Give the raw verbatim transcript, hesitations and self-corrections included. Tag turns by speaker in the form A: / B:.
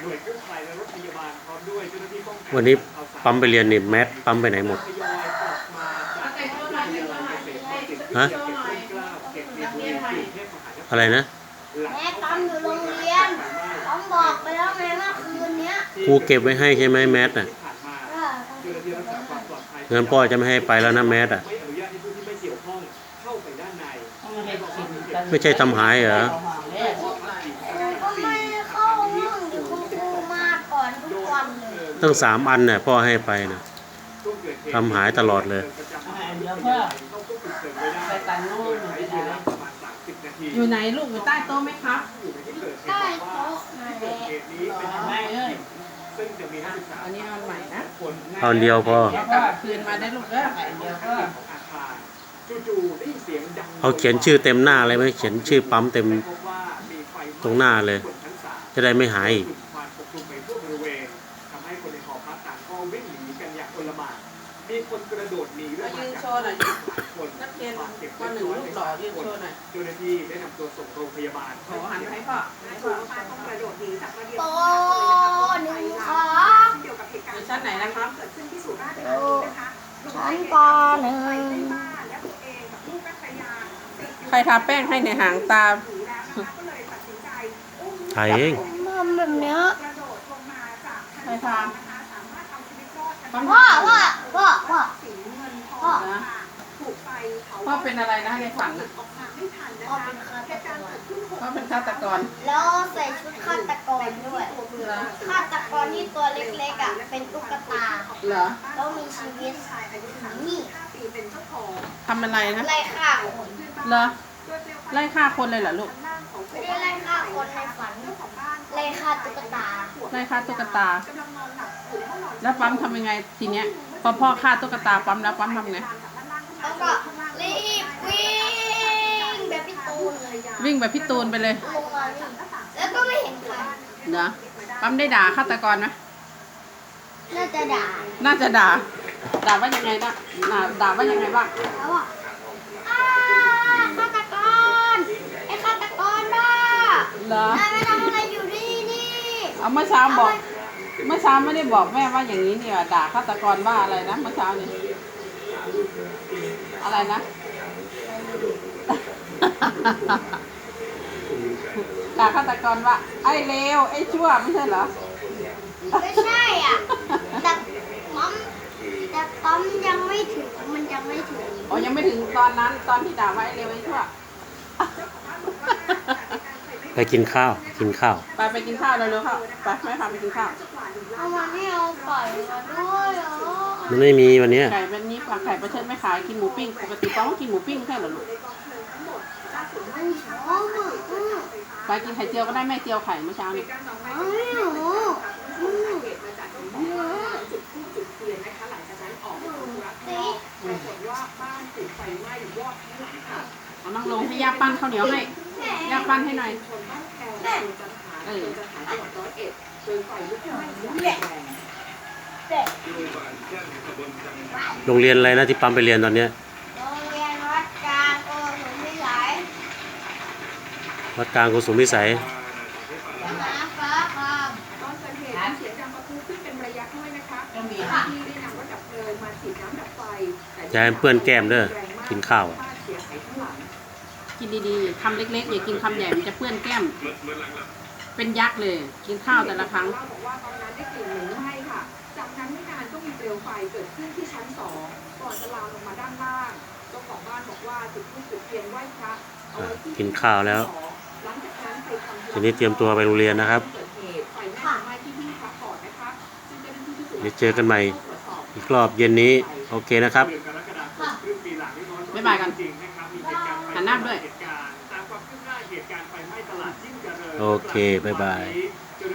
A: วันนี้ปั๊มไปเรียนนี่แมสปั๊มไปไหนหมดฮะอะไรนะ
B: แม่ปั๊มอยู่โรงเรียนปั๊มบอกไปแล้วไงเมื่อคืนเนี้ย
A: ครูเก็บไว้ให้ใช่ไหมแมสน่ะเงินพ่อจะไม่ให้ไปแล้วนะแมสอ่ะไม่ใช่ทำหายเหรอ
B: ก็ไม่เข้าห้องอยู่คุณครูมาก่อนทุกวันเลย
A: ตั้งสามอันเนี่ยพ่อให้ไปนะทำหายตลอดเลย
C: อยู่ไหนลูกอยู่ใต้โต๊ะไหมครับ
B: ใต้โต๊ะนั่นแหละ
C: ไม่เอ้ยอันนี้เอาใหม่นะ
A: ตอนเดียวพอ
C: คืนมาได้ลูกเด้อเดียวก็
A: เอาเขียนชื่อเต็มหน้าเลยไหมเขียนชื่อปั๊มเต็มตรงหน้าเลยจะได้ไม่หายอีก
C: มีคนกระโดดหนีด้วยยืนโชว์หน่อยนักเรียนคนหนึ่งลูกหล่อยืนโชว์หน่อยเจ้าหน้าที่ได้นำตัวส่งโรงพยาบาลขอหันให้พ่อให้พ่อต้องกระโดดหนีจากมาเรียน
B: โตหนึ่งค่ะ
C: อยู่ชั้นไหนนะครับเกิดขึ้นที่สุราษฎร์ธานีนะคะ
B: ชั้นปหนึ่ง
C: ใครทาแป้งให้ในหางตา
A: ถ่ายเอง
B: ทำแบบเนี้ย
C: ใครทา
B: พ่อพ่อพ่อพ่อพ่อ
C: พ่อเป็นอะไรนะในฝัน
B: พ่อเป็นฆาตกร
C: พ่อเป็นฆาตกร
B: แล้วใส่ชุดฆาตกรด้วยฆาตกรที่ตัวเล็กๆอ่ะเป็นตุ๊กตา
C: เหรอ
B: แล้วมีชีวิตนี่
C: ทำอะไรนะ
B: ไล่ฆ่าคน
C: เหรอไล่ฆ่าคนเลยเหรอลูก
B: ไม่ได้ไล่ฆ่าคนในฝันไล่ฆ่าตุ๊กตา
C: ไล่ฆ่าตุ๊กตาแล้วปั๊มทำยังไงทีเนี้ยพอพ่อฆ่าตุ๊กตาปั๊มแล้วปั๊มทำไง
B: แล้วก็รีบวิ่งแบบพี่ตูนเลย
C: วิ่งแบบพี่ตูนไปเลย
B: แล้วก็ไม่เห็นใคร
C: เนาะปั๊มได้ด่าฆาตกรไหม
B: น่าจะด่า
C: น่าจะด่าด่าว่ายังไงนะด่าว่ายังไงบ้าง
B: แล้วอ่ะฆาตกรไอ้ฆาตกรบ้า
C: เหรอน
B: ายไม่ทำอะไรอยู่ที่นี่
C: เอาเมื่อเช้าบอกเมื่อเช้าไม่ได้บอกแม่ว่าอย่างนี้เนี่ยด่าฆาตกรว่าอะไรนะเมื่อเช้านี่อะไรนะด่าฆาตกรว่าไอ้เลวไอ้ชั่วไม่ใช่เหรอ
B: ไม่ใช่อ่ะแต่ปั๊มแต่ปั๊มยังไม่ถึงมันยังไม่ถึง
C: อ๋อยังไม่ถึงตอนนั้นตอนที่ด่าว่าไอ้เลวไอ้ชั่ว
A: ไปกินข้าวกินข้าว
C: ไปไปกินข้าวเร็วๆค่ะไปแม่พาไปกินข้าว
B: เอามาให้เอาไก่มาด้วยเหรอ
A: มันไม่มีวันนี้
C: ไก่เป็นนี้ปลาไข่ประเทศไม่ขายกินหมูปิ้งปกติต้องกินหมูปิ้งแค่หรอลูกไปกินไข่เจียวก็ได้แม่เจียวไข่เมื่อเช้านี้เอานั่งลงให้ย่าปั้นข้าวเหนียวให้ย่าปั้นให้หน่อยเออ
A: โรงเรียนอะไรนะที่ปั๊มไปเรียนตอนเนี้ย
B: โรงเรียนวัดกลางโกสุมพิสัย
A: วัดกลางโกสุมพิสัย
B: น้ำฟ้าคาม
D: ตอนเกิดเหตุเสียงดังประทุขึ้นเป็นระยะด้วยนะคะที่ได้นำรถดับเพลิงมาฉีดน้ำดับไฟ
A: ยายเพื่อนแก้มเด้อกินข้าว
C: กินดีๆคำเล็กๆอย่ากินคำใหญ่มันจะเปื้อนแก้มเป็นยักษ์เลยกินข้าวแต่ละครั้ง
D: บอกว่าตอนนั้นได้กลิ่นเหม็นไหม้ค่ะจากนั้นไม่นานก็มีเปลวไฟเกิดขึ้นที่ชั้นสองก่อนจะลามลงมาด้านล่างเจ้าของบ้านบอกว่าจุดธูปจุดเทียนไหว้พระ
A: กินข้าวแล้วทีนี้เตรียมตัวไปโรงเรียนนะครับเดี๋ยวเจอกันใหม่อีกรอบเย็นนี้โอเคนะครับ
C: บ๊ายบายกันหันหน้าด้วย
A: โอเคบ๊ายบาย